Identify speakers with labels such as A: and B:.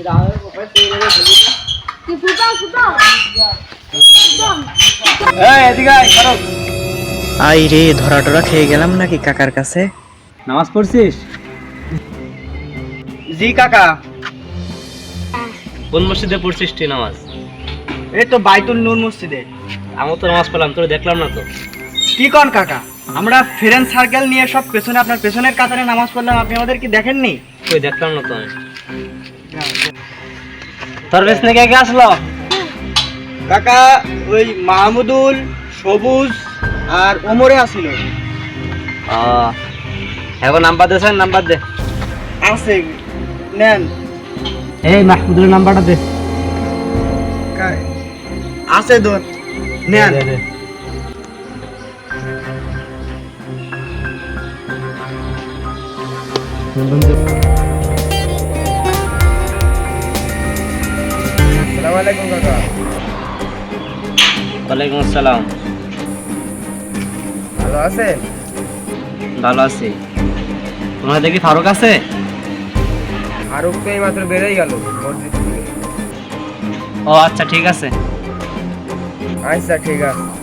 A: I রে, ধরা টরা খেয়ে গেলাম নাকি কাকার কাছে।
B: নামাজ পড়ছিস?
A: জি কাকা।
B: কোন মসজিদে পড়ছিস তুই নামাজ?
A: এই তো বাইতুল নূর মসজিদে।
B: আমি তো নামাজ পড়লাম, তোর দেখলাম না তো।
A: কি কন কাকা, আমরা ফ্রেন্ড সার্কেল নিয়ে সব পেছনে আপনার পেছনের কাতারে নামাজ পড়লাম, আপনি আমাদের কি দেখেননি?
B: কই দেখলাম না তো আমি। তোর পেছনে কে কে আসলো?
A: কাকা ওই মাহমুদুল, সবুজ আর ওমরে আসিল।
B: এখন নাম্বার দেন, নাম্বার দে।
A: আছে, নেন।
B: এই মাহমুদুলের নাম্বারটা দে।
A: আছে দোন, নেন।
B: দে, দে।
A: আসসালামু আলাইকুম কাকা।
B: ওয়ালাইকুম আসসালাম।
A: ভালো আছেন?
B: ভালো আছি। তোমার দেখি ফারুক আছে?
A: ফারুক তো এই মাত্র বেরোই গেল মসজিদ থেকে।
B: ও আচ্ছা, ঠিক আছে।
A: আচ্ছা ঠিক আছে।